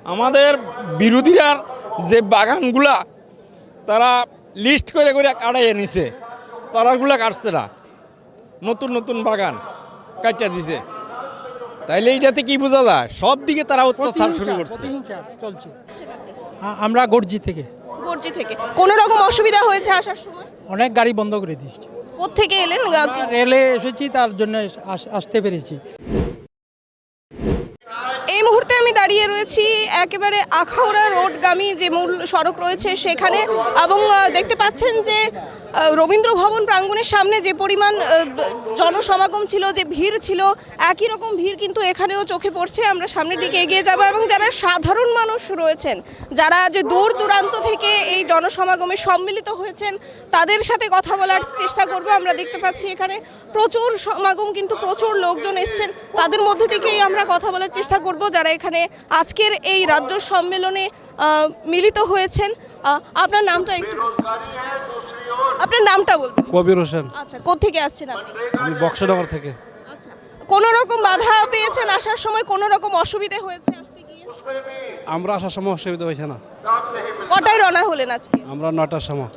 আমাদের বিরোধীরা যে বাগানগুলা তারা লিস্ট করে করে কাটাইয়ে নিছে, তারাগুলা কাটছে না, নতুন নতুন বাগান কাটিয়ে দিছে। তাইলে এইটাতে কি বোঝা যায়? সব দিকে তারা অত্যাচার শুরু করছে। চলছে। আমরা গর্জি থেকে কোনো রকম অসুবিধা হয়েছে আসার সময়? অনেক গাড়ি বন্ধ করে দিয়েছি। কোত্থেকে এলেন? রেলে এসেছি, তার জন্য আসতে পেরেছি। এই মুহূর্তে আমি দাঁড়িয়ে রয়েছি একেবারে আখাউড়া রোডগামী যে মূল সড়ক রয়েছে সেখানে, এবং দেখতে পাচ্ছেন যে রবীন্দ্র ভবন প্রাঙ্গণের সামনে যে পরিমাণ জনসমাগম ছিল, যে ভিড় ছিল, একই রকম ভিড় কিন্তু এখানেও চোখে পড়ছে। আমরা সামনের দিকে এগিয়ে যাব এবং যারা সাধারণ মানুষ রয়েছেন, যারা যে দূর দূরান্ত থেকে এই জনসমাগমে সম্মিলিত হয়েছেন, তাদের সাথে কথা বলার চেষ্টা করব। আমরা দেখতে পাচ্ছি এখানে প্রচুর সমাগম, কিন্তু প্রচুর লোকজন এসছেন, তাদের মধ্যে থেকেই আমরা কথা বলার চেষ্টা করব যারা এখানে আজকের এই রাজ্য সম্মেলনে মিলিত হয়েছেন। আপনার নামটা একটু, আপনার নামটা বলবেন? কবির হোসেন। আচ্ছা, কোত্থেকে আসছেন আপনি? আমি বক্সনগর থেকে। আচ্ছা, কোনো রকম বাধা পেয়েছেন আসার সময়? কোনো রকম অসুবিধা হয়েছে আসতে গিয়ে? আমরা আসার সময় অসুবিধা হয়েছে না। কটায় রওনা হলেন আজকে? আমরা 9টার সময়।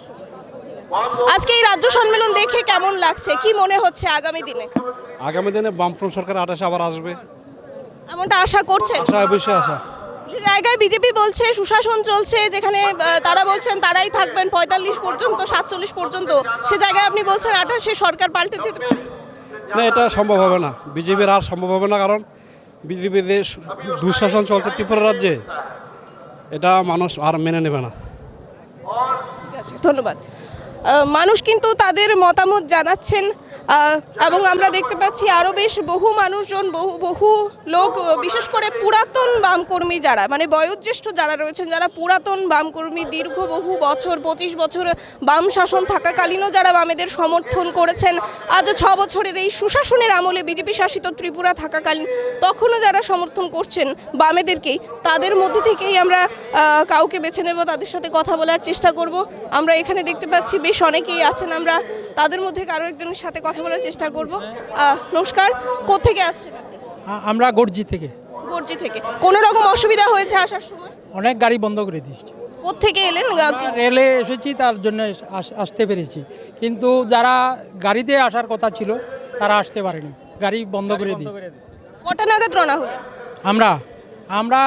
আজকে এই রাজ্য সম্মেলন দেখে কেমন লাগছে? কি মনে হচ্ছে আগামী দিনে? আগামী দিনে বামফ্রন্ট সরকার 28 আবার আসবে, এমনটা আশা করছেন? আশা অবশ্যই আশা। যে জায়গায় বিজেপি বলছে সুশাসন চলছে, যেখানে তারা বলছেন তারাই থাকবেন 45 পর্যন্ত, 47 পর্যন্ত, সে জায়গায় আপনি বলছেন 28-এ সরকার পাল্টে যেতে পারে? না, এটা সম্ভব হবে না, বিজেপির আর সম্ভব হবে না। কারণ বিজেপির যে দুঃশাসন চলছে ত্রিপুরা রাজ্যে, এটা মানুষ আর মেনে নেবে না। ঠিক আছে, ধন্যবাদ। মানুষ কিন্তু তাদের মতামত জানাচ্ছেন, এবং আমরা দেখতে পাচ্ছি আরও বেশ বহু মানুষজন, বহু লোক, বিশেষ করে পুরাতন বামকর্মী যারা, মানে বয়োজ্যেষ্ঠ যারা রয়েছেন, যারা পুরাতন বামকর্মী, দীর্ঘ বহু বছর, 25 বছর বাম শাসন থাকাকালীনও যারা বামেদের সমর্থন করেছেন, আজ 6 বছরের এই সুশাসনের আমলে বিজেপি শাসিত ত্রিপুরা থাকাকালীন তখনও যারা সমর্থন করছেন বামেদেরকেই, তাদের মধ্যে থেকেই আমরা কাউকে বেছে নেব, তাদের সাথে কথা বলার চেষ্টা করব। আমরা এখানে দেখতে পাচ্ছি বেশ অনেকেই আছেন, আমরা তাদের মধ্যে কারো একজনের সাথে কথা বলার চেষ্টা করব। নমস্কার, কোত্থেকে আসছেন আপনি? আমরা গর্জি থেকে। কোনো রকম অসুবিধা হয়েছে আসার সময়? অনেক গাড়ি বন্ধ করে দিয়েছি। কোত্থেকে এলেন? রেলে এসেছি, তার জন্য আসতে পেরেছি। কিন্তু যারা গাড়িতে আসার কথা ছিল তারা আসতে পারেনি, গাড়ি বন্ধ করে দিয়ে। কটা নাগাদ রওনা হলেন? আমরা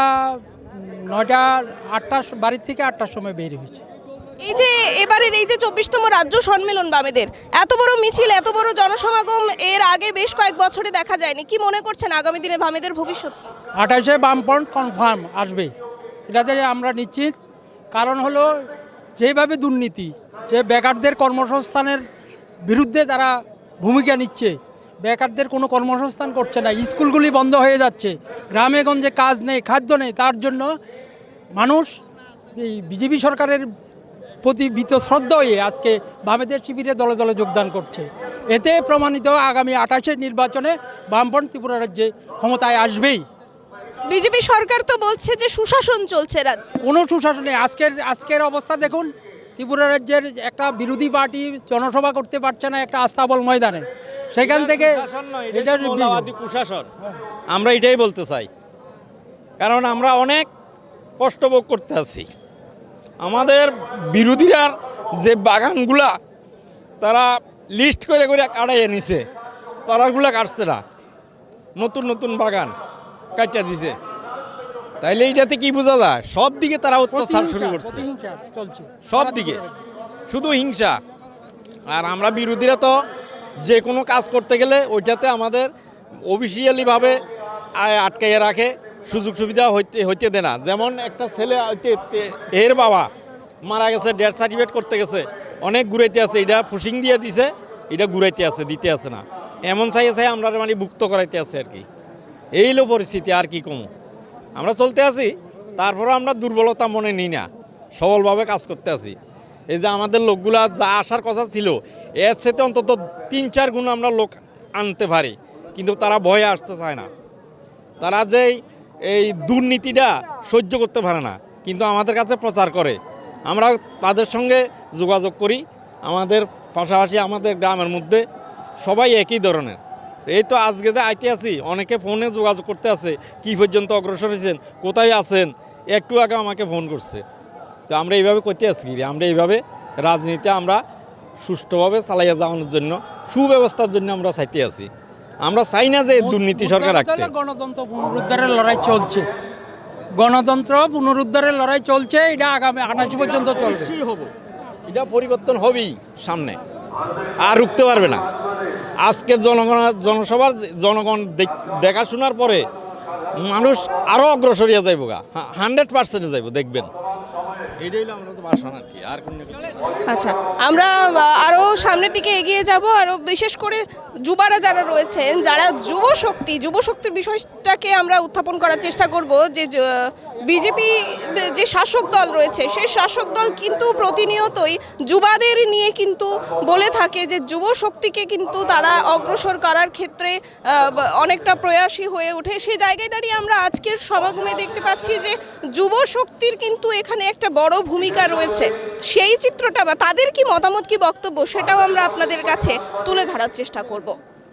8টার বাড়ির থেকে 8টার সময় বের হয়েছি। এই যে এবারের এই যে 24তম রাজ্য সম্মেলন বামেদের, এত বড় মিছিল, এত বড় জনসমাগম এর আগে বেশ কয়েক বছরে দেখা যায়নি। কি মনে করছেন আগামী দিনে বামেদের ভবিষ্যৎ কি? 28-এ বামফ্রন্ট কনফার্ম আসবে, এটাতে আমরা নিশ্চিত। কারণ হলো যেভাবে দুর্নীতি, যে বেকারদের কর্মসংস্থানের বিরুদ্ধে তারা ভূমিকা নিচ্ছে, বেকারদের কোনো কর্মসংস্থান করছে না, স্কুলগুলি বন্ধ হয়ে যাচ্ছে, গ্রামে গঞ্জে কাজ নেই, খাদ্য নেই, তার জন্য মানুষ এই বিজেপি সরকারের প্রতি বীতশ্রদ্ধা হয়ে আজকে বামেদের শিবিরে দলে দলে যোগদান করছে। এতে প্রমাণিত আগামী 28-এর নির্বাচনে বামফ্রন্ট ত্রিপুরা রাজ্যে ক্ষমতায় আসবেই। বিজেপি সরকার তো বলছে যে সুশাসন চলছে রাজ্যে। কোনো সুশাসনে আজকের অবস্থা দেখুন, ত্রিপুরা রাজ্যের একটা বিরোধী পার্টি জনসভা করতে পারছে না একটা আস্তাবল ময়দানে, সেখান থেকে এটা কুশাসন। আমরা এটাই বলতে চাই, কারণ আমরা অনেক কষ্ট ভোগ করতে আছি। আমাদের বিরোধীরা যে বাগানগুলা তারা লিস্ট করে করে কাটাইয়ে নিছে, তারাগুলা কাটছে না, নতুন নতুন বাগান কাটিয়ে দিছে। তাইলে এইটাতে কি বোঝা যায়? সব দিকে তারা অত্যাচার শুরু করছে, চলছে সব দিকে শুধু হিংসা। আর আমরা বিরোধীরা তো যে কোনো কাজ করতে গেলে ওইটাতে আমাদের অফিসিয়ালিভাবে আটকাইয়ে রাখে, সুযোগ সুবিধা হইতে দেয় না। যেমন একটা ছেলে এর বাবা মারা গেছে, ডেথ সার্টিফিকেট করতে গেছে, অনেক ঘুরাইতে আছে, এটা ফুসিং দিয়ে দিছে, এটা ঘুরাইতে আছে, দিতে আছে না, এমন চাই আমরা মানে ভুক্ত করাইতে আছে আর কি। এই হলো পরিস্থিতি, আর কি কম। আমরা চলতে আছি, তারপরে আমরা দুর্বলতা মনে নিই না, সবলভাবে কাজ করতে আছি। এই যে আমাদের লোকগুলা যা আসার কথা ছিল, এর সাথে অন্তত 3-4 গুণ আমরা লোক আনতে পারি, কিন্তু তারা ভয়ে আসতে চায় না। তারা যে এই দুর্নীতিটা সহ্য করতে পারে না, কিন্তু আমাদের কাছে প্রচার করে। আমরা তাদের সঙ্গে যোগাযোগ করি, আমাদের পাশাপাশি আমাদের গ্রামের মধ্যে সবাই একই ধরনের, এই তো আজকে যে আইতে আছি, অনেকে ফোনে যোগাযোগ করতে আছে, কি পর্যন্ত অগ্রসর হয়েছেন, কোথায় আছেন, একটু আগে আমাকে ফোন করছে। তো আমরা এইভাবে করতে আছি, আমরা এইভাবে রাজনীতি আমরা সুষ্ঠুভাবে চালাইয়া যাওয়ানোর জন্য, সুব্যবস্থার জন্য আমরা চাইতে আছি। আমরা চাই না যে দুর্নীতি সরকার রাখতে। গণতন্ত্র পুনরুদ্ধারের লড়াই চলছে, গণতন্ত্র পুনরুদ্ধারের লড়াই চলছে, এটা আগামী 28 পর্যন্ত চলবে। এটা পরিবর্তন হবেই সামনে, আর রুখতে পারবে না। আজকের জনসভার জনগণ দেখাশোনার পরে মানুষ আরও অগ্রসরিয়া যাইব, 100% যাইব, দেখবেন। এটাই হলো আমরা তো বাসনা আর কি, আর কোনো কিছু না। আচ্ছা, আমরা আরও সামনের দিকে এগিয়ে যাব, আরও বিশেষ করে যুবারা যারা রয়েছেন, যারা যুবশক্তির বিষয়টাকে আমরা উত্থাপন করার চেষ্টা করব। যে বিজেপি যে শাসক দল রয়েছে, সেই শাসক দল কিন্তু প্রতিনিয়তই যুবাদের নিয়ে কিন্তু বলে থাকে যে যুবশক্তিকে কিন্তু তারা অগ্রসর করার ক্ষেত্রে অনেকটা প্রয়াসী হয়ে ওঠে। সেই জায়গায় দাঁড়িয়ে আমরা আজকের সমাগমে দেখতে পাচ্ছি যে যুবশক্তির কিন্তু এখানে একটা বড় ভূমিকা রয়েছে। সেই চিত্রটা বা তাদের কি মতামত, কি বক্তব্য, সেটাও আমরা আপনাদের কাছে তুলে ধরার চেষ্টা করব।